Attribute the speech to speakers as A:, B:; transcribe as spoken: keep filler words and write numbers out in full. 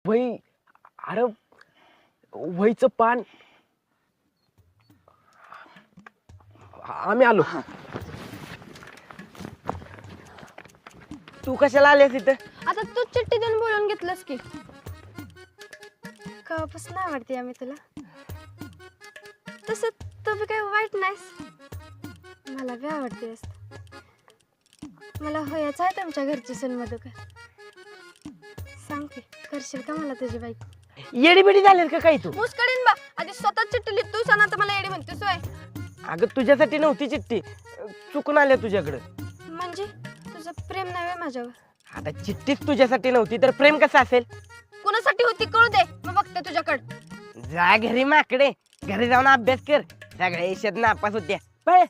A: वही अरे वहीचं पान आम्ही आलो. तू कशाला आलीस इथं?
B: आता तू चिठ्ठी देऊन बोलून घेतलंस की कवापासून आवडते आम्ही तुला. तसं तू बी काही वाईट नाहीस, मला बी आवडतेस. मला होयाचं आहे तुमच्या घरची सून मधुकर. सांग की करशील का मला तुझी बाईक?
A: येडी बिडी झालीस का काही तू?
B: मुस्कडीन बा आधी स्वतः चिठ्ठी लिहित तू सांग, आता मला येडी म्हणतेस होय.
A: अगं तुझ्यासाठी नव्हती चिठ्ठी, चुकून आल्या तुझ्याकडं.
B: म्हणजे तुझं प्रेम नाही होय माझ्यावर?
A: आता चिठ्ठीच तुझ्यासाठी नव्हती तर प्रेम कसं असेल?
B: कुणासाठी होती कळू दे, मग बघते तुझ्याकडं.
A: जा घरी माकडे, घरी जाऊन अभ्यास कर. सगळ्या ईशात नापास होत्या. पळ.